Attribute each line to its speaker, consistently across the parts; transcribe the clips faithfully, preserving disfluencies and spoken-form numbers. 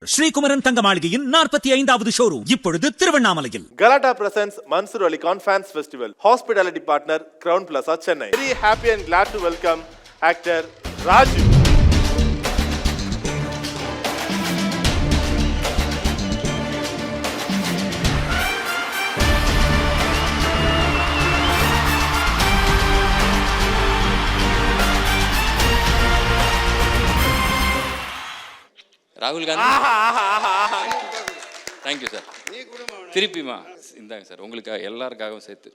Speaker 1: ஸ்ரீகுமரன் தங்க மாளிகையின் நாற்பத்தி ஐந்தாவது ஷோரூம் இப்பொழுது திருவண்ணாமலையில்.
Speaker 2: Galata presents Mansur Ali Khan Fans Festival. Hospitality partner Crown Plaza, Chennai. Very happy and glad to welcome actor Raju.
Speaker 3: ராகுல் காந்தி. Thank you sir. திருப்பிமா இந்தாங்க சார், உங்களுக்காக எல்லாருக்காகவும் சேர்த்து.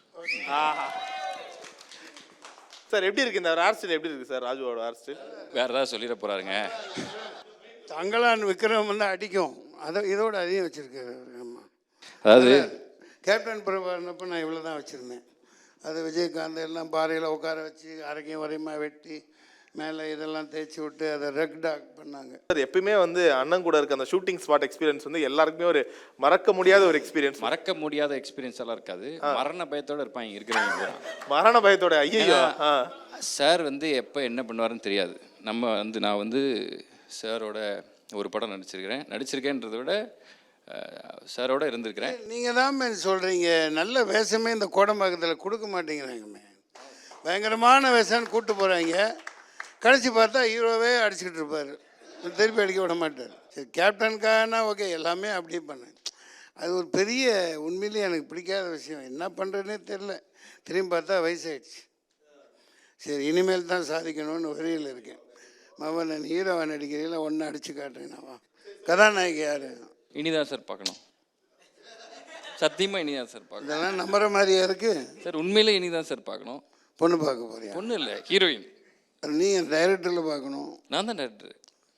Speaker 2: சார் எப்படி இருக்கு இந்த ஹேர் ஸ்டைல்? எப்படி இருக்கு சார் ராஜுவோட ஹேர் ஸ்டைல்?
Speaker 3: வேற ஏதாவது சொல்லிட போறாருங்க.
Speaker 4: தங்களான் விக்ரம் வந்து அடிக்கும், அதை இதோட அதிகம் வச்சுருக்காரு. ஆமாம்,
Speaker 3: அதாவது
Speaker 4: கேப்டன் பிரபாகரனப்போ நான் இவ்வளோ தான் வச்சுருந்தேன். அது விஜயகாந்த் எல்லாம் பாறையில் உட்கார வச்சு அரைக்கும் வரையுமா வெட்டி மேலே இதெல்லாம் தேய்ச்சி விட்டு அதை ரெக் டாக் பண்ணாங்க.
Speaker 2: சார் எப்பயுமே வந்து அண்ணன் கூட இருக்க அந்த ஷூட்டிங் ஸ்பாட் எக்ஸ்பீரியன்ஸ் வந்து எல்லாருக்குமே ஒரு மறக்க முடியாத ஒரு எக்ஸ்பீரியன்ஸ்.
Speaker 3: மறக்க முடியாத எக்ஸ்பீரியன்ஸ் எல்லாம் இருக்காது, மரண பயத்தோட இருப்பாங்க இருக்கிறவங்க.
Speaker 2: மரண பயத்தோட? ஐயோ.
Speaker 3: சார் வந்து எப்போ என்ன பண்ணுவாருன்னு தெரியாது. நம்ம வந்து நான் வந்து சாரோட ஒரு படம் நடிச்சிருக்கிறேன். நடிச்சிருக்கேன்றதை விட சாரோட இருந்திருக்கிறேன்.
Speaker 4: நீங்கள் தான் மேம் சொல்கிறீங்க, நல்ல வேஷமே இந்த கோடம்பாக்கத்தில் கொடுக்க மாட்டேங்கிறாங்கமே. பயங்கரமான வேஷம்னு கூப்பிட்டு போகிறாங்க, கடைசி பார்த்தா ஹீரோவே அடிச்சுக்கிட்டு இருப்பார், திருப்பி அடிக்க விட மாட்டார். சரி, கேப்டனுக்கானா ஓகே, எல்லாமே அப்படியே பண்ணேன். அது ஒரு பெரிய உண்மையிலேயே எனக்கு பிடிக்காத விஷயம். என்ன பண்ணுறதுனே தெரில. திரும்பி பார்த்தா வயசாயிடுச்சு. சரி, இனிமேல் தான் சாதிக்கணும்னு வரியில் இருக்கேன். மாவா நான் ஹீரோவை நடிக்கிறீங்களா, ஒன்று அடித்து காட்டுறேன்னாவா? கதாநாயகி யார்?
Speaker 3: இனிதான் சார் பார்க்கணும். சத்தியமாக இனிதான் சார் பார்க்கணும்.
Speaker 4: இதெல்லாம் நம்புற மாதிரியா இருக்குது
Speaker 3: சார்? உண்மையிலே இனிதான் சார் பார்க்கணும்.
Speaker 4: பொண்ணு பார்க்க போறியா?
Speaker 3: பொண்ணு இல்லை, ஹீரோயின்.
Speaker 4: நீ டைரக்டரில் பார்க்கணும்.
Speaker 3: நான் தான் டைரக்டர்.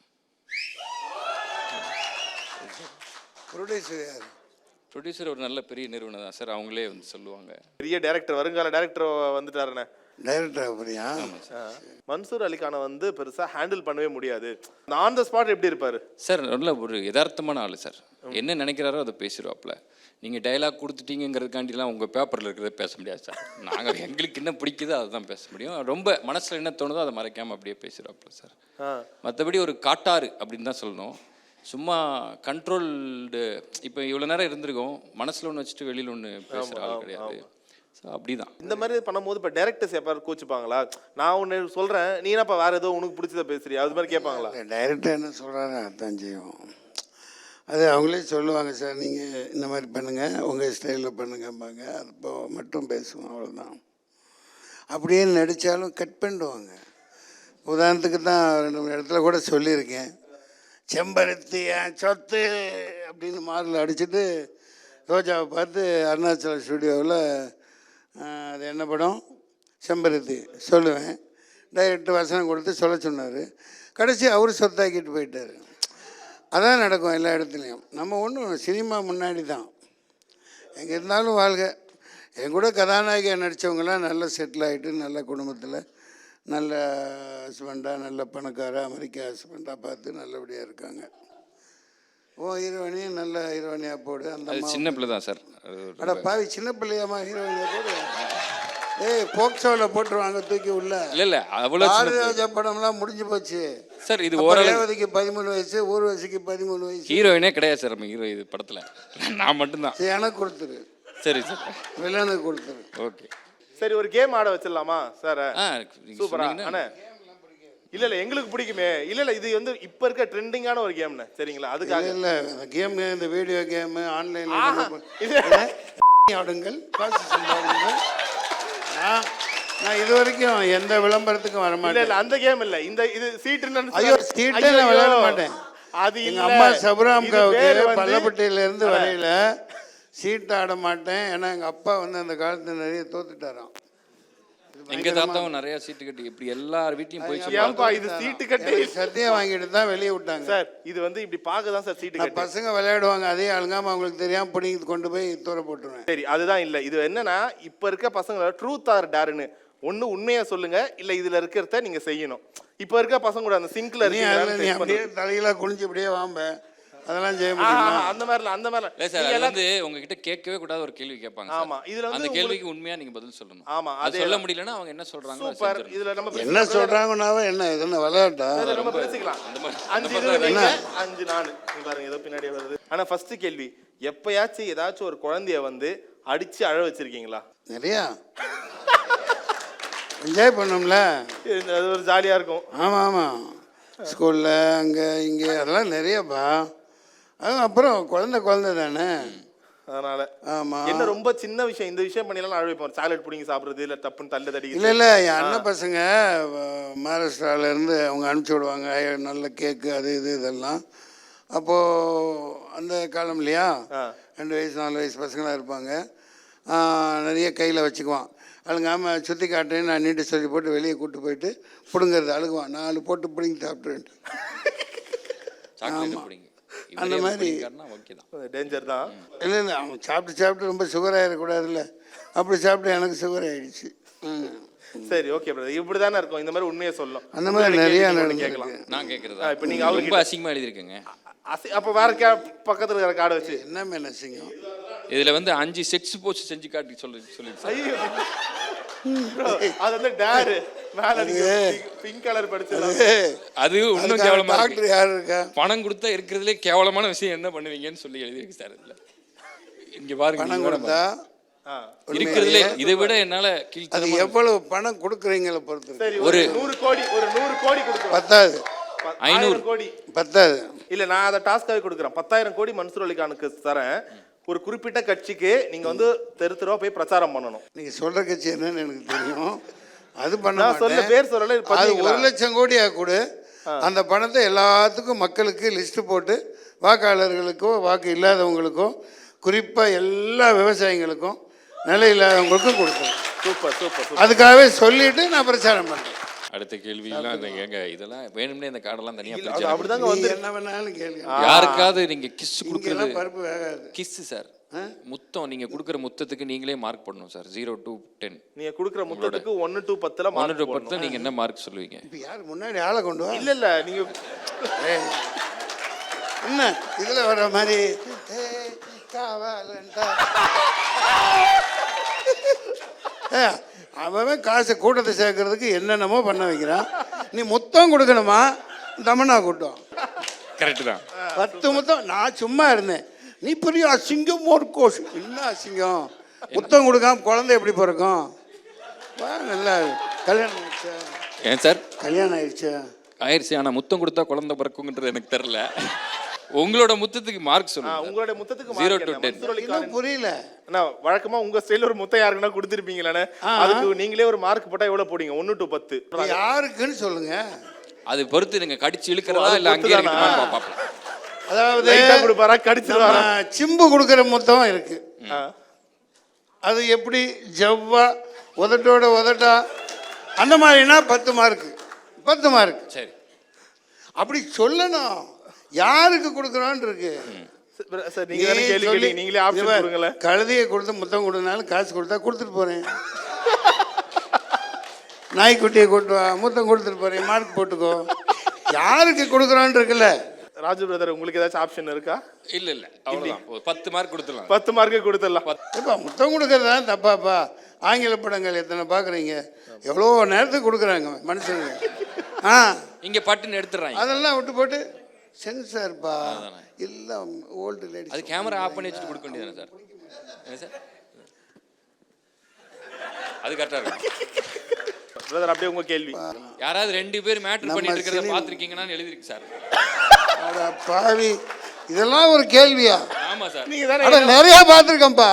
Speaker 4: ப்ரொடியூசர் யார்?
Speaker 3: ப்ரொடியூசர் ஒரு நல்ல பெரிய நிறுவனம் தான் சார், அவங்களே வந்து சொல்லுவாங்க.
Speaker 2: பெரிய டைரக்டர், வருங்கால டைரக்டர் வந்துட்டாருண்ணே.
Speaker 4: டைரக்டர் அப்படியா?
Speaker 2: மன்சூர் அலிகானை வந்து பெருசாக ஹேண்டில் பண்ணவே முடியாது. ஆன் த ஸ்பாட் எப்படி இருப்பார்
Speaker 3: சார்? நல்ல ஒரு யதார்த்தமான ஆள் சார். என்ன நினைக்கிறாரோ அதை பேசிடுவாப்புல. நீங்கள் டைலாக் கொடுத்துட்டீங்கிறதுக்காண்டிலாம் உங்கள் பேப்பரில் இருக்கிறத பேச முடியாது சார். நாங்கள் எங்களுக்கு என்ன பிடிக்குதோ அதை தான் பேச முடியும். ரொம்ப மனசில் என்ன தோணுதோ அதை மறைக்காமல் அப்படியே பேசிடுவாப்புல சார். மற்றபடி ஒரு காட்டாறு அப்படின்னு தான் சொல்லணும். சும்மா கண்ட்ரோல்டு. இப்போ இவ்வளோ நேரம் இருந்திருக்கோம், மனசில் ஒன்று வச்சுட்டு வெளியில் ஒன்று பேசுகிற ஆள் கிடையாது. ஸோ அப்படிதான்.
Speaker 2: இந்த மாதிரி பண்ணும்போது இப்போ டேரக்டர்ஸ் எப்போ கோச்சுப்பாங்களா? நான் ஒன்று சொல்கிறேன், நீ என்னப்பா வேறு ஏதோ உனக்கு பிடிச்சதை பேசுறியா, அது மாதிரி கேட்பாங்களா?
Speaker 4: டைரக்டர் என்ன சொல்கிறாரு அதான் செய்வோம். அது அவங்களே சொல்லுவாங்க, சார் நீங்கள் இந்த மாதிரி பண்ணுங்கள், உங்கள் ஸ்டைலில் பண்ணுங்கம்பாங்க. அது இப்போ மட்டும் பேசுவோம், அவ்வளோதான். அப்படியே நடித்தாலும் கட் பண்ணிடுவாங்க. உதாரணத்துக்கு தான் ரெண்டு மூணு இடத்துல கூட சொல்லியிருக்கேன். செம்பருத்தி சொத்து அப்படின்னு மாரில் அடிச்சுட்டு ரோஜாவை பார்த்து அருணாச்சல ஸ்டுடியோவில் அது என்ன படம் செம்பருத்தி சொல்லுவேன். டைரக்டர் வசனம் கொடுத்து சொல்ல சொன்னார். கடைசி அவர் சொத்தாக்கிட்டு போயிட்டார். அதான் நடக்கும் எல்லா இடத்துலையும். நம்ம ஒன்றும் சினிமா முன்னாடி தான் எங்கே இருந்தாலும் வாழ்க. என் கூட கதாநாயகியாக நடித்தவங்களாம் நல்ல செட்டில் ஆகிட்டு நல்ல குடும்பத்தில் நல்ல ஹஸ்பண்டாக, நல்ல பணக்கார அமெரிக்கா ஹஸ்பண்டாக பார்த்து நல்லபடியாக இருக்காங்க. ஓ ஹீரோயினையும் நல்ல ஹீரோயினியாக போடு. அந்த
Speaker 3: சின்ன பிள்ளை தான் சார்.
Speaker 4: அட பாவி, சின்ன பிள்ளையாமா ஹீரோயினியாக போடு? ஏய், போக்சோவில் போட்டுருவாங்க தூக்கி உள்ள.
Speaker 3: இல்லை இல்லை, அவ்வளோ
Speaker 4: ஆதிராஜா படம்லாம் முடிஞ்சு போச்சு
Speaker 3: சார். இது ஓரளவுக்கு
Speaker 4: பதிமூணு வயசு, ஊர்வசிக்கு பதிமூணு வயசு.
Speaker 3: ஹீரோயினே கிடையாது சார் நம்ம ஹீரோ இது படத்தில். நான் மட்டும்தான்.
Speaker 4: சரி, எனக்கு கொடுத்துரு.
Speaker 3: சரி சார்,
Speaker 4: வில்லனுக்கு கொடுத்துரு.
Speaker 3: ஓகே.
Speaker 2: சரி, ஒரு கேம் ஆட வச்சிடலாமா சார்?
Speaker 3: ஆ
Speaker 2: சூப்பரா. அண்ணே இல்லை இல்லை எங்களுக்கு பிடிக்குமே. இல்லை இல்லை இது வந்து இப்போ இருக்க ட்ரெண்டிங்கான ஒரு கேம்ண்ணே, சரிங்களா? அதுக்காக
Speaker 4: இல்லை கேம், இந்த வீடியோ கேமு ஆன்லைனில் ஆடுங்கள், காசு சம்பாதிங்கள். நான் இது வரைக்கும் எந்த விளம்பரத்துக்கும் வர மாட்டேன்.
Speaker 2: இல்லை அந்த கேம் இல்லை, இந்த இது சீட்டு.
Speaker 4: ஐயோ, சீட்டே நான் விளையாட மாட்டேன். அது எங்கள் அம்மா சபராம்காவுக்கு பள்ளப்பட்டியிலேருந்து வரையில் சீட்டு ஆட மாட்டேன். ஏன்னா எங்கள் அப்பா வந்து அந்த காலத்தில் நிறைய தோத்துட்டாராம்.
Speaker 3: எங்க தாத்தாவும் நிறைய சீட்டு கட்டி இப்படி எல்லார் வீட்லயும் போய்
Speaker 2: ஏன்பா இது சீட்டு கட்டி
Speaker 4: சத்தியம் வாங்கிட்டு தான் வெளியே விட்டாங்க
Speaker 2: சார். இது வந்து இப்படி பார்க்க தான் சார் சீட்டு கட்டி
Speaker 4: பசங்க விளையாடுவாங்க. அதே அழுங்காம அவங்களுக்கு தெரியாம பிடிங்கி கொண்டு போய் தூர போட்டுருவேன்.
Speaker 2: சரி, அதுதான் இல்லை. இது என்னன்னா இப்போ இருக்க பசங்க ட்ரூத் ஆர் டேர்னு ஒன்று உண்மையா சொல்லுங்க, இல்லை இதுல இருக்கிறத நீங்க செய்யணும். இப்போ இருக்க பசங்க கூட அந்த சிங்க்ல
Speaker 4: இருக்கு, நீ அப்படியே தலையில குனிஞ்சு இப்படியே வாம்ப அதெல்லாம் செய்ய
Speaker 2: ஆ,
Speaker 4: முடியுமா?
Speaker 2: அந்த மாதிரிலாம் அந்த மாதிரிலாம்
Speaker 3: இல்லை சார்,
Speaker 2: நீங்க
Speaker 3: அது
Speaker 2: எல்லாம்
Speaker 3: வந்து உங்ககிட்ட கேட்கவே கூடாத ஒரு கேள்வி கேட்பாங்க சார்.
Speaker 2: ஆமா, இதுல வந்து
Speaker 3: அந்த
Speaker 2: உங்களுக்கு-
Speaker 3: கேள்விக்கு உண்மையா நீங்க பதில் சொல்லணும்.
Speaker 2: ஆமா,
Speaker 3: அது
Speaker 2: அதே
Speaker 3: சொல்ல
Speaker 2: தான்.
Speaker 3: முடியலன்னா அவங்க என்ன சொல்றாங்க
Speaker 2: சூப்பர். இதுல நம்ம
Speaker 4: என்ன சொல்கிறாங்கன்னாவே என்ன இது என்ன விளையாட்டா?
Speaker 2: இதுல நம்ம பேசிக்கலாம்.
Speaker 3: அந்த மாதிரி
Speaker 2: அஞ்சு
Speaker 3: அந்த
Speaker 2: இது
Speaker 3: மாதிரி
Speaker 2: நீங்க, அஞ்சு நானு. நீங்க பாருங்க ஏதோ பின்னாடியே வருது. ஆனா ஃபர்ஸ்ட் கேள்வி, எப்பயாச்சும் ஏதாச்சும் ஒரு குழந்தைய வந்து அடிச்சு அழ வச்சிருக்கீங்களா?
Speaker 4: நிறையா என்ஜாய் பண்ணோம்ல.
Speaker 2: இது- அது ஒரு ஜாலியா இருக்கும்.
Speaker 4: ஆமாம் ஆமாம், ஸ்கூலில் அங்கே இங்கே அதெல்லாம் நிறையப்பா. அது அப்புறம் குழந்தை குழந்தை தானே.
Speaker 2: அதனால
Speaker 4: ஆமாம்.
Speaker 2: என்ன ரொம்ப சின்ன விஷயம், இந்த விஷயம் பண்ணிலாம் அழ வைப்போம். சாலட் புடிங்கி சாப்பிடுறது, இல்ல டப்புன்னு தள்ளு
Speaker 4: இல்லை
Speaker 2: தடிக்கிறது.
Speaker 4: இல்லை, என் அண்ணன் பசங்க மகாராஷ்டிராவிலேருந்து அவங்க அனுப்பிச்சி விடுவாங்க, ஐ- நல்ல கேக்கு அது இது இதெல்லாம். அப்போது அந்த காலம் இல்லையா,
Speaker 2: ஆ.
Speaker 4: ரெண்டு வயசு நாலு வயசு பசங்களாக இருப்பாங்க. ஆ, நிறைய கையில் வச்சுக்குவான். அழுங்காமல் சுற்றி காட்டுறேன்னு நான் நீட்டு சொல்லி போட்டு வெளியே கூப்பிட்டு போயிட்டு பிடுங்கிறது, அழுகுவான். நாலு போட்டு பிடிங்கி சாப்பிட்றேன்ட்டு.
Speaker 3: சாக்லேட் பிடிங்க.
Speaker 4: அந்த மாதிரி
Speaker 3: ஓகே தான்.
Speaker 2: டேஞ்சர் தான்.
Speaker 4: இல்லை இல்லை, அவன் சாப்பிட்டு சாப்பிட்டு ரொம்ப சுகர் ஆகிடக்கூடாதுல்ல. அப்படி சாப்பிட்டு எனக்கு சுகர் ஆகிடுச்சு. ம்.
Speaker 2: சரி, ஓகே பிரதர், இப்படி தானே இருக்கும். இந்த மாதிரி உண்மையை சொல்லணும்.
Speaker 4: அந்த மாதிரி நிறைய
Speaker 2: கேள்வி
Speaker 4: நடந்திருக்கு.
Speaker 2: கேட்கலாம்.
Speaker 3: நான் கேட்கறதா?
Speaker 2: ஆ, இப்ப நீங்க அவருக்கு
Speaker 3: ரொம்ப அசிங்கமா எழுதிருக்கீங்க.
Speaker 2: அசி- அப்ப வேற கே பக்கத்துல இருக்கிற கார்டை வச்சு
Speaker 4: என்ன மேல சிங்கம்?
Speaker 3: இதுல வந்து அஞ்சு செக்ஸ் போச்சு செஞ்சு காட்டி சொல்லி சொல்லி
Speaker 2: ஐயோ bro, அது வந்து டேர் மேல நீங்க பிங்க் கலர் படிச்சது.
Speaker 3: அது இன்னும் கேவலமா இருக்கு.
Speaker 4: டாக்டர் யார் இருக்கா?
Speaker 3: பணம் கொடுத்தா இருக்கிறதுலே கேவலமான விஷயம் என்ன பண்ணுவீங்கன்னு சொல்லி எழுதிருக்கு சார் இதுல. இங்க பாருங்க,
Speaker 4: பணம்
Speaker 3: நீங்க வேணா
Speaker 4: கொடுத்தா
Speaker 3: பாருங்க. இருக்கிறதுலே இதை விட என்னால
Speaker 4: அது
Speaker 3: கீழ்த்தரமா
Speaker 4: எவ்வளவு பணம் கொடுக்குறீங்கள பொறுத்து இருக்கு.
Speaker 2: சரி, ஒரு நூறு கோடி ஒரு நூறு கோடி கொடுக்குறோம்.
Speaker 4: பத்தாது
Speaker 2: ஐநூறு கோடி
Speaker 4: பத்தாது.
Speaker 2: இல்ல, நான் அதை டாஸ்காவே கொடுக்குறேன். பத்தாயிரம் கோடி மன்சூர் அலிகானுக்கு தரேன். ஒரு குறிப்பிட்ட கட்சிக்கு நீங்க வந்து தெரு தெருவா போய் பிரச்சாரம் பண்ணணும்.
Speaker 4: நீங்க சொல்ற கட்சி என்னன்னு எனக்கு தெரியும். அது பண்ண
Speaker 2: நான் சொல்ல
Speaker 4: மாட்டேன்.
Speaker 2: பேர் சொல்லல,
Speaker 4: அது
Speaker 2: பண்ணுவீங்களா?
Speaker 4: ஒரு லட்சம் கோடியா கொடு. அந்த பணத்தை எல்லாத்துக்கும் மக்களுக்கு லிஸ்ட் போட்டு வாக்காளர்களுக்கோ வாக்கு இல்லாதவங்களுக்கோ குறிப்பாக எல்லா விவசாயிகளுக்கும் நிலை இல்லாதவங்களுக்கும் கொடுக்கணும்.
Speaker 2: Super super super.
Speaker 4: அதுக்காகவே சொல்லிட்டு நான் பிரச்சாரம் பண்ணுறேன்.
Speaker 3: அடுத்த கேள்வி எல்லாம் இந்த ஏங்க இதெல்லாம் வேணும்னே இந்த கார்டெல்லாம் தனியா
Speaker 2: அது
Speaker 3: பிரிச்சு
Speaker 2: அப்படிதாங்க
Speaker 4: நீ
Speaker 2: வந்து
Speaker 4: என்ன வேணாலும் கேள்வி.
Speaker 3: யாருக்காவது நீங்க கிஸ் கொடுக்கறது
Speaker 4: இங்கெல்லாம் பருப்பு வேகாது.
Speaker 3: கிஸ் சார், முத்தம் நீங்க கொடுக்குற முத்தத்துக்கு நீங்களே மார்க் பண்ணணும் சார். ஜீரோ டு டென்
Speaker 2: நீங்க குடுக்குற முத்தத்துக்கு ஒன்னு டு பத்துல
Speaker 3: ஒன்று
Speaker 2: மார்க்
Speaker 3: டு
Speaker 2: போடணும்.
Speaker 3: பத்து நீங்க என்ன மார்க் சொல்லுவீங்க?
Speaker 4: இப்போ யார் முன்னாடி ஆளை கொண்டு வா.
Speaker 2: இல்ல இல்ல, நீங்க
Speaker 4: ஏய், என்ன இதில் வர மாதிரி ஏய், காவலன்டா. ஏ, அவன் காசை கூட்டத்தை சேர்க்கறதுக்கு என்னென்னமோ பண்ண வைக்கிறான். நீ முத்தம் கொடுக்கணுமா? தமிழ்நா கூட்டம்
Speaker 3: கரெக்ட் தான்.
Speaker 4: பத்து முத்தம். நான் சும்மா இருந்தேன். நீ பெரிய அசிங்கம் ஒரு கோஷ். என்ன அசிங்கம்? முத்தம் கொடுக்காம குழந்தை எப்படி பிறக்கும்? வா, நல்லா கல்யாணம் ஆயிடுச்சா?
Speaker 3: ஏன் சார்
Speaker 4: கல்யாணம் ஆயிடுச்சா?
Speaker 3: ஆயிடுச்சு. ஆனா முத்தம் கொடுத்தா குழந்தை பிறக்குங்கிறது எனக்கு தெரியல. உங்களோட முத்தத்துக்கு மார்க்
Speaker 2: ஆ,
Speaker 3: சொல்லுங்க.
Speaker 2: உங்களுடைய முத்தத்துக்கு
Speaker 3: Zero
Speaker 2: mark
Speaker 3: to
Speaker 2: என்ன?
Speaker 3: ten.
Speaker 2: மன்சூர் அலிகான்
Speaker 4: இன்னும் புரியல.
Speaker 2: அண்ணா, வழக்கமா உங்க ஸ்டைல ஒரு முத்தம் யாருக்குன்னா கொடுத்திருப்பீங்களே, அதுக்கு நீங்களே ஒரு மார்க் போட்டா எவ்வளவு போடுங்க? ஒன்னு டு பத்து.
Speaker 4: இது யாருக்குன்னு சொல்லுங்க.
Speaker 3: அது பொறுத்து நீங்க கடிச்சு இழுக்கிறதா
Speaker 2: அது
Speaker 3: இல்ல அங்கேயே
Speaker 2: பொறுத்து தானா?
Speaker 3: இருக்குமா பாப்போம்.
Speaker 4: அதாவது
Speaker 2: லைட்டா கொடுப்பாரா, கடிச்சிருவாரா?
Speaker 4: நம்ம சிம்பு கொடுக்குற முத்தம் இருக்கு.
Speaker 2: ஆ.
Speaker 4: அது எப்படி ஜவ்வா உதட்டோட உதட்டா அந்த மாதிரினா பத்து மார்க்கு. பத்து மார்க்.
Speaker 3: சரி,
Speaker 4: அப்படி சொல்லணும். யாருக்கு கொடுக்குறோன்னு இருக்கு.
Speaker 2: சார், நீங்க தானே கேள்வி கேட்டீங்க, நீங்களே ஆப்ஷன் கொடுங்களேன்.
Speaker 4: கழுதையை கொடுத்து முத்தம் கொடுனாலும் காசு கொடுத்தா கொடுத்துட்டு போறேன். நாய்க்குட்டியை கூட்டு வா, முத்தம் கொடுத்துட்டு போறேன், மார்க் போட்டுக்கோ. யாருக்கு கொடுக்குறோன்னு இருக்குல்ல.
Speaker 2: ராஜு பிரதர், உங்களுக்கு ஏதாச்சும் ஆப்ஷன் இருக்கா?
Speaker 3: இல்ல இல்ல அவ்வளவுதான். ஒரு பத்து மார்க் கொடுத்துடலாம்.
Speaker 2: பத்து மார்க்கு கொடுத்துடலாம்.
Speaker 4: இப்போ முத்தம் கொடுக்கறது தான் தப்பாப்பா. ஆங்கில படங்கள் எத்தனை பார்க்குறீங்க? எவ்வளோ நேரத்துக்கு கொடுக்குறாங்க மனுஷங்க. ஆ,
Speaker 3: இங்க பட்டுன்னு எடுத்துறாங்க.
Speaker 4: அதெல்லாம் விட்டு போட்டு சென்சார்ப்பா எல்லாம் ஓல்டு லேடி.
Speaker 3: அது கேமரா ஆஃப் பண்ணி வச்சுட்டு கொடுக்க வேண்டியதானே சார்? என்ன சார்? அது கரெக்டா இருக்கு.
Speaker 2: பிரதர், அப்படியே உங்க கேள்வி.
Speaker 3: யாராவது ரெண்டு பேர் மேட்டர்
Speaker 4: நம்ம
Speaker 3: பண்ணிட்டு இருக்கிறத
Speaker 4: சினிமா-
Speaker 3: பாத்திருக்கீங்கன்னு எழுதிருக்கு சார்.
Speaker 4: அட பாவி, இதெல்லாம் ஒரு கேள்வியா?
Speaker 3: ஆமா சார்.
Speaker 2: நீங்க தானே
Speaker 4: அட நிறைய பார்த்துருக்கேன்ப்பா.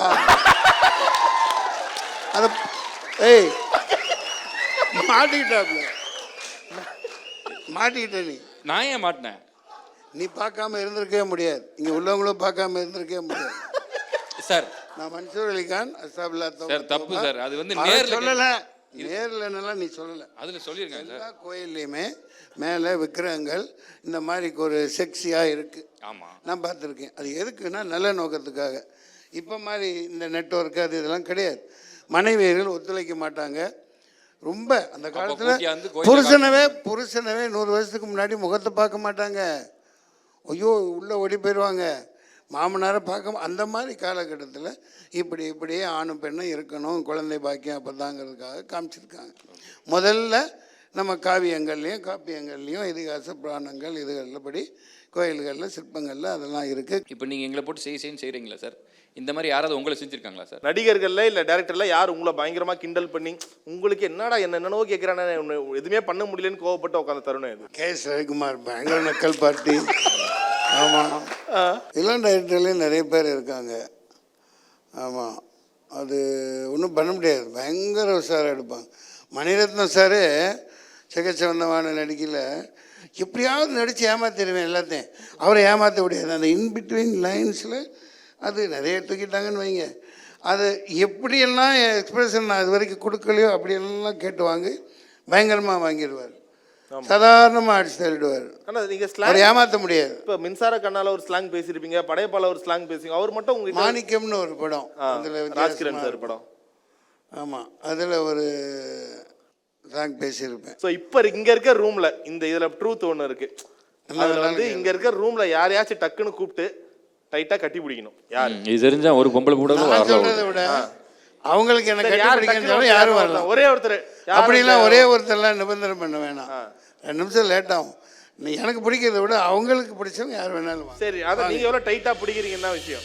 Speaker 4: அத ஏய் மாட்டிக்கிட்டாப்ல. மாட்டிக்கிட்ட நீ.
Speaker 3: நான் ஏன் மாட்டினேன்?
Speaker 4: நீ பார்க்காம இருந்திருக்கவே முடியாது. இங்க உள்ளவங்களும் பார்க்காம இருந்திருக்கவே முடியாது.
Speaker 3: சார்
Speaker 4: நான் மன்சூர் அலிகான் அஸ்தாபுல்லா
Speaker 3: சார் தப்பு சார். அது வந்து
Speaker 4: அதை
Speaker 3: நேர்ல
Speaker 4: சொல்லல. நேர்லன்னெல்லாம் நீ சொல்லல.
Speaker 3: அதுல சொல்லிருக்கேன் சார்.
Speaker 4: எல்லா கோயில்லையுமே மேலே விக்கிரகங்கள் இந்த மாதிரி ஒரு செக்ஸியாக இருக்குது.
Speaker 3: ஆமா,
Speaker 4: நான் பார்த்துருக்கேன். அது எதுக்குன்னா நல்ல நோக்கத்துக்காக. இப்போ மாதிரி இந்த நெட்வொர்க் அது இதெல்லாம் கிடையாது. மனைவியர்கள் ஒத்துழைக்க மாட்டாங்க. ரொம்ப அந்த காலத்தில்
Speaker 3: கூட்டியாந்து கோயில்ல
Speaker 4: புருஷனவே புருஷனவே நூறு வருஷத்துக்கு முன்னாடி முகத்தை பார்க்க மாட்டாங்க. ஐயோ உள்ளே ஓடி போயிடுவாங்க, மாமனாரை பார்க்க. அந்த மாதிரி காலகட்டத்தில் இப்படி இப்படியே ஆணும் பெண்ணும் இருக்கணும், குழந்தை பாக்கியம் அப்போ தாங்கிறதுக்காக காமிச்சிருக்காங்க. முதல்ல நம்ம காவியங்கள்லேயும் காப்பியங்கள்லேயும் இதிகாச புராணங்கள் இதுகளில் படி கோயில்களில் சிற்பங்களில் அதெல்லாம் இருக்குது.
Speaker 3: இப்போ நீங்கள் எங்களை போட்டு செய் செய்ன்னு செய்கிறீங்களா சார்? இந்த மாதிரி யாராவது உங்களை செஞ்சுருக்காங்களா சார்?
Speaker 2: நடிகர்கள்ல இல்லை டேரக்டர்ல யார் உங்களை பயங்கரமாக கிண்டல் பண்ணி உங்களுக்கு என்னடா என்ன என்னென்னவோ கேட்குறானே எதுவுமே பண்ண முடியலன்னு கோவப்பட்டு உட்காந்த தருணம் இது?
Speaker 4: கே எஸ் ரவிக்குமார் பயங்கர நக்கல் பார்ட்டி. ஆமாம், இளம் டைரக்டர்லேயும் நிறைய பேர் இருக்காங்க. ஆமாம், அது ஒன்றும் பண்ண முடியாது, பயங்கர உஷாராக எடுப்பாங்க. மணிரத்னம் சார் சிகச்சவந்தமான நடிக்கல எப்படியாவது நடித்து ஏமாத்திடுவேன் எல்லாத்தையும். அவரை ஏமாற்ற முடியாது. அந்த இன்பிட்வீன் லைன்ஸில் அது நிறைய தூக்கிட்டாங்கன்னு வைங்க. அது எப்படியெல்லாம் எக்ஸ்பிரஷன் நான் இது வரைக்கும் கொடுக்கலையோ அப்படியெல்லாம் கேட்டு வாங்கி பயங்கரமாக வாங்கிடுவார். சாதாரணமாக அடிச்சு தள்ளிடுவார்.
Speaker 2: ஆனால் நீங்கள்
Speaker 4: அவரை
Speaker 2: ஸ்லாங்
Speaker 4: ஏமாற்ற முடியாது.
Speaker 2: இப்போ மின்சார கண்ணால் ஒரு ஸ்லாங் பேசியிருப்பீங்க, படையப்பால ஒரு ஸ்லாங் பேசுவீங்க. அவர் மட்டும் உங்களுக்கு
Speaker 4: மாணிக்கம்னு ஒரு படம், அதில்
Speaker 2: ராஜ்கிரண் சார் படம்.
Speaker 4: ஆமாம், அதில் ஒரு ஸ்லாங் பேசியிருப்பேன்.
Speaker 2: ஸோ இப்போ இங்கே இருக்க ரூமில் இந்த இதில் ட்ரூத் ஒன்று இருக்குது. அதில் வந்து இங்கே இருக்க ரூமில் யாரையாச்சும் டக்குன்னு கூப்பிட்டு டைட்டாக கட்டி பிடிக்கணும். யார்
Speaker 3: இது தெரிஞ்சா ஒரு பொம்பளை கூட
Speaker 4: நான் சொல்கிறத விட அவங்களுக்கு என்ன கட்டி பிடிக்கணும் யாரும் வரலாம்.
Speaker 2: ஒரே ஒருத்தர்
Speaker 4: அப்படிலாம் ஒரே ஒருத்தர்லாம் நிபந்தனை பண்ண வேணாம். ரெண்டு நிமிஷம் லேட் ஆகும். நீ எனக்கு பிடிக்கிறத விட அவங்களுக்கு பிடிச்சவங்க யார் வேணாலும் வாங்க.
Speaker 2: சரி, அதை நீங்கள் எவ்வளோ டைட்டாக பிடிக்கிறீங்கன்னா விஷயம்.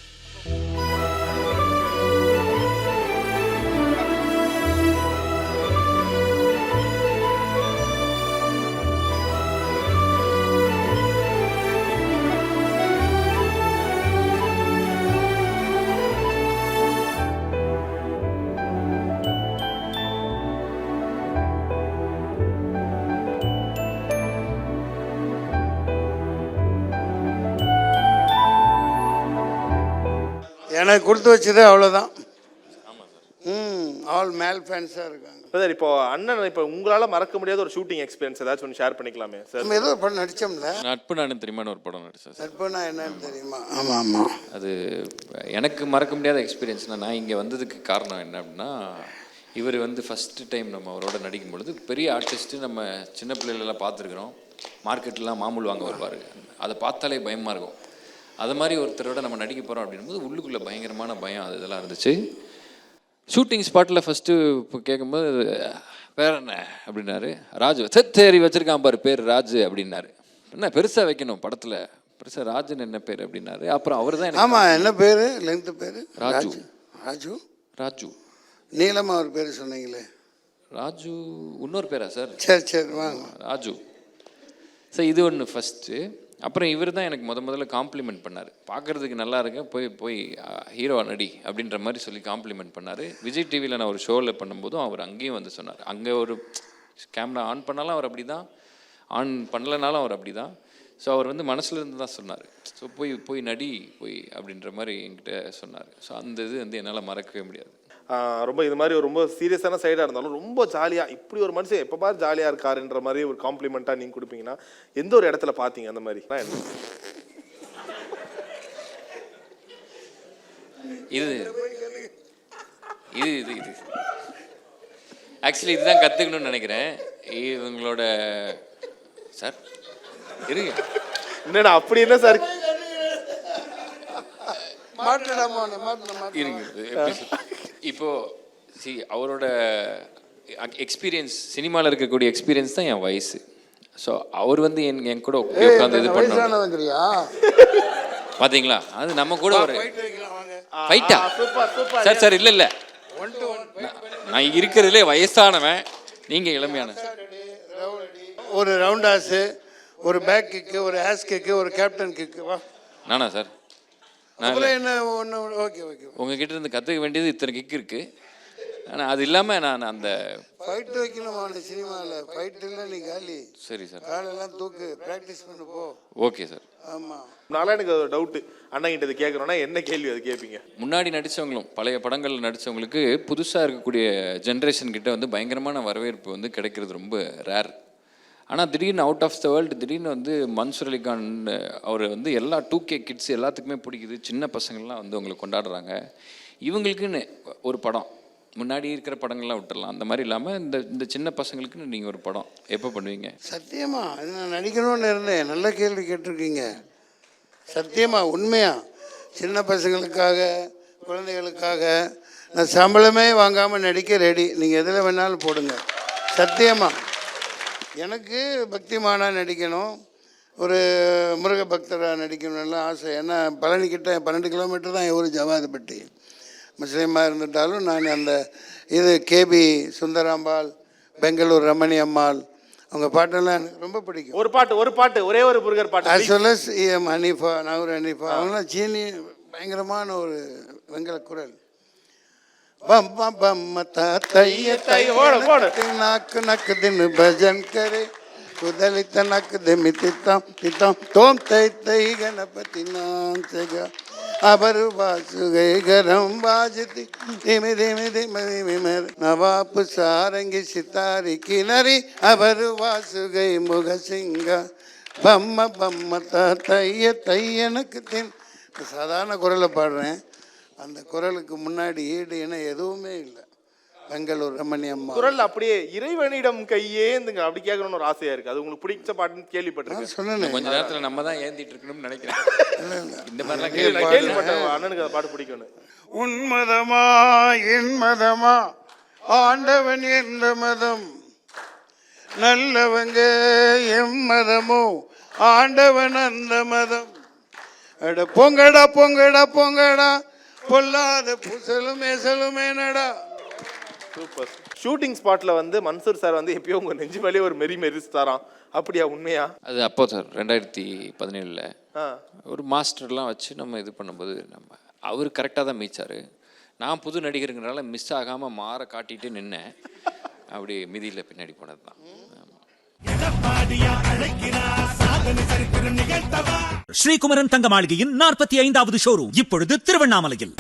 Speaker 4: எனக்கு கொடுத்து வச்சது அவ்வளோதான். ம் ஆல் மேல் ஃபேன்ஸாக இருக்காங்க.
Speaker 2: சார் இப்போ அண்ணன் இப்போ உங்களால் மறக்க முடியாத ஒரு ஷூட்டிங் எக்ஸ்பீரியன்ஸ் ஏதாச்சும் ஒன்று ஷேர் பண்ணிக்கலாமே சார்?
Speaker 4: நம்ம ஏதோ ஒரு படம் நடித்தோம்ல,
Speaker 3: நட்பு நானும் தெரியுமான்னு ஒரு படம் நடிச்சேன் சார்.
Speaker 4: நட்புனா என்னன்னு தெரியுமா? ஆமாம் ஆமாம்.
Speaker 3: அது எனக்கு மறக்க முடியாத எக்ஸ்பீரியன்ஸ்னால் நான் இங்கே வந்ததுக்கு காரணம் என்ன அப்படின்னா, இவர் வந்து ஃபஸ்ட்டு டைம் நம்ம அவரோட நடிக்கும் பொழுது பெரிய ஆர்டிஸ்ட்டு நம்ம சின்ன பிள்ளைகளெல்லாம் பார்த்துருக்குறோம். மார்க்கெட்லாம் மாமூல் வாங்க வருவார், அதை பார்த்தாலே பயமாக இருக்கும். அது மாதிரி ஒருத்தரோட நம்ம நடிக்க போகிறோம் அப்படின்போது உள்ளுக்குள்ளே பயங்கரமான பயம் அது இதெல்லாம் இருந்துச்சு. ஷூட்டிங் ஸ்பாட்டில் ஃபஸ்ட்டு இப்போ கேட்கும்போது வேற என்ன அப்படின்னாரு. ராஜு தேரி வச்சுருக்கான் பாரு பேர் ராஜு அப்படின்னாரு. என்ன பெருசாக வைக்கணும் படத்தில், பெருசாக ராஜுன்னு என்ன பேர் அப்படின்னாரு. அப்புறம் அவர் தான்
Speaker 4: ஆமாம், என்ன பேர் லெங்க்த்து பேர்?
Speaker 3: ராஜு.
Speaker 4: ராஜு
Speaker 3: ராஜு
Speaker 4: நீளமாக ஒரு பேர் சொன்னீங்களே,
Speaker 3: ராஜு இன்னொரு பேரா சார்?
Speaker 4: சரி சரி வாங்க.
Speaker 3: ராஜு சார், இது ஒன்று ஃபஸ்ட்டு. அப்புறம் இவர் தான் எனக்கு முத முதல்ல காம்ப்ளிமெண்ட் பண்ணார். பார்க்குறதுக்கு நல்லா இருக்க, போய் போய் ஹீரோ நடி அப்படின்ற மாதிரி சொல்லி காம்ப்ளிமெண்ட் பண்ணார். விஜய் டிவியில் நான் ஒரு ஷோவில் பண்ணும்போதும் அவர் அங்கேயும் வந்து சொன்னார். அங்கே ஒரு கேமரா ஆன் பண்ணாலும் அவர் அப்படி தான், ஆன் பண்ணலனாலும் அவர் அப்படி தான். ஸோ அவர் வந்து மனசுல இருந்து தான் சொன்னார். ஸோ போய் போய் நடி போய் அப்படின்ற மாதிரி என்கிட்ட சொன்னார். ஸோ அந்த இது வந்து என்னால் மறக்கவே முடியாது.
Speaker 2: ரொம்ப இது மாதிரி ஒரு ரொம்ப சீரியஸான சைடாக இருந்தாலும் ரொம்ப ஜாலியாக இப்படி ஒரு மனுஷன் எப்போ பாரு ஜாலியாக இருக்காருன்ற மாதிரி ஒரு காம்ப்ளிமெண்ட்டாக நீங்கள் கொடுப்பீங்கன்னா எந்த ஒரு இடத்துல பார்த்தீங்க அந்த மாதிரி?
Speaker 3: இது இது இது இது ஆக்சுவலி இதுதான் கற்றுக்கணும்னு நினைக்கிறேன் இவங்களோட. சார் இருங்க,
Speaker 2: என்னடா அப்படி என்ன சார்
Speaker 3: இருங்க. இப்போ சி அவரோட எக்ஸ்பீரியன்ஸ், சினிமாவில் இருக்கக்கூடிய எக்ஸ்பீரியன்ஸ் தான் என் வயசு. ஸோ அவர் வந்து என் என் கூட உட்காந்து இது பண்ணுறாங்க பார்த்தீங்களா? அது நம்ம கூட ஒரு ஃபைட்டா சார்? சார் இல்லை இல்லை, நான் இருக்கிறதுலே வயசானவன், நீங்கள் இளமையான.
Speaker 4: ஒரு ரவுண்ட் ஆஸு, ஒரு பேக் கிக்கு, ஒரு ஆஸ் கிக்கு, ஒரு கேப்டன் கிக்கு. வா
Speaker 3: நானா சார்?
Speaker 4: என்ன ஒன்று ஓகே ஓகே.
Speaker 3: உங்ககிட்ட இருந்து கற்றுக்க வேண்டியது இத்தனை கிக் இருக்குது. ஆனால் அது இல்லாமல் நான் அந்த
Speaker 4: ஃபைட் வைக்கணும் சினிமாவில். ஃபைட் இல்லை நீ காலி.
Speaker 3: சரி சார்,
Speaker 4: காலெல்லாம் தூக்கு, ப்ராக்டிஸ் பண்ணு போ.
Speaker 3: Okay sir.
Speaker 4: ஆமாம்,
Speaker 2: நாளா எனக்கு ஒரு டவுட்டு, அண்ணங்கிட்ட இது கேட்குறோன்னா என்ன கேள்வி அது கேட்பீங்க?
Speaker 3: முன்னாடி நடித்தவங்களும் பழைய படங்களில் நடித்தவங்களுக்கு புதுசாக இருக்கக்கூடிய ஜென்ரேஷன் கிட்ட வந்து பயங்கரமான வரவேற்பு வந்து கிடைக்கிறது ரொம்ப ரேர். ஆனால் திடீர்னு அவுட் ஆஃப் த வேர்ல்டு திடீர்னு வந்து மன்சூர் அலிகான் அவர் வந்து எல்லா டூ கே கிட்ஸ் எல்லாத்துக்குமே பிடிக்குது, சின்ன பசங்கள்லாம் வந்து அவங்களை கொண்டாடுறாங்க. இவங்களுக்குன்னு ஒரு படம் முன்னாடி இருக்கிற படங்கள்லாம் விட்டுடலாம். அந்த மாதிரி இல்லாமல் இந்த இந்த சின்ன பசங்களுக்கு நீங்கள் ஒரு படம் எப்போ பண்ணுவீங்க?
Speaker 4: சத்தியமா அது நான் நடிக்கணும்னு இருந்தேன். நல்ல கேள்வி கேட்டிருக்கீங்க. சத்தியமா உண்மையா சின்ன பசங்களுக்காக குழந்தைகளுக்காக நான் சம்பளமே வாங்காமல் நடிக்க ரெடி. நீங்கள் எதில் வேணாலும் போடுங்க. சத்தியமா எனக்கு பக்திமானா நடிக்கணும், ஒரு முருக பக்தராக நடிக்கணும்லாம் ஆசை. ஏன்னா பழனிக்கிட்ட பன்னெண்டு கிலோமீட்டர் தான் என் ஊர் ஜவாதுப்பட்டி. முஸ்லீமாக இருந்துட்டாலும் நான் அந்த இது கேபி சுந்தராம்பாள், பெங்களூர் ரமணி அம்மாள், அவங்க பாட்டெல்லாம் எனக்கு ரொம்ப பிடிக்கும்.
Speaker 2: ஒரு பாட்டு ஒரு பாட்டு ஒரே ஒரு முருகர் பாட்டு.
Speaker 4: as well as M Hanifa, நவூர் ஹனீஃபா, அவங்களாம் சீனி பயங்கரமான ஒரு வெங்கல குரல். பம்ம பம்ம தைய தைய நாக்கு நக்கு தின்னு பஜன் கரே குதலித்த நக்கு திமி தித்தாம் தித்தாம் தோம் தை தை கணபதி நாம் செக அபரு வாசுகை கரம் வாஜதி திமி திமி திமி திமர் நவாப்பு சாரங்கி சித்தாரி கிணறி அபரு வாசுகை முக சிங்க பம்ம பம்ம தைய தையனுக்கு தின். சாதாரண குரலை பாடுறேன். அந்த குரலுக்கு முன்னாடி ஈடு என எதுவுமே இல்லை. பெங்களூர் ரமணி அம்மா
Speaker 2: குரல் அப்படியே இறைவனிடம் கையேந்துங்க அப்படி கேட்கணும்னு ஒரு ஆசையா இருக்கு. அது உங்களுக்கு பிடிச்ச பாட்டுன்னு கேள்விப்பட்டிருக்கேன்.
Speaker 4: சொன்னேன்
Speaker 3: கொஞ்ச நேரத்தில் நம்ம தான் ஏந்திட்டு இருக்கணும்னு நினைக்கிறேன். இந்த மாதிரிலாம்
Speaker 2: நான்
Speaker 3: கேள்வி
Speaker 2: கேள்விப்பட்டேன் அண்ணனுக்கு அந்த பாட்டு பிடிக்கும்னு.
Speaker 4: உன் மதமா என் மதமா ஆண்டவன் எந்த மதம், நல்லவங்க எம் மதமோ ஆண்டவன் அந்த மதம். அட பொங்கடா பொங்கடா பொங்கடா பொல்லாத புசலுமே சலுமே நடா.
Speaker 2: சூப்பர். ஷூட்டிங் ஸ்பாட்ல வந்து மன்சூர் சார் வந்து எப்பயோ உங்க நெஞ்சு மேலே ஒரு மெரி மெரிஸ்தாராம். அப்படியா உண்மையா?
Speaker 3: அது அப்போ சார் ரெண்டாயிரத்தி பதினேழில்
Speaker 2: ஆ
Speaker 3: ஒரு மாஸ்டர்லாம் வச்சு நம்ம இது பண்ணும்போது நம்ம அவர் கரெக்டாக தான் மீச்சார். நான் புது நடிகருங்கிறனால மிஸ் ஆகாமல் மாற காட்டிட்டு நின்னேன். அப்படி மிதியில் பின்னாடி போனது தான்.
Speaker 1: ஸ்ரீகுமரன் தங்க மாளிகையின் நாற்பத்தி ஐந்தாவது ஷோரூம் இப்பொழுது திருவண்ணாமலையில்.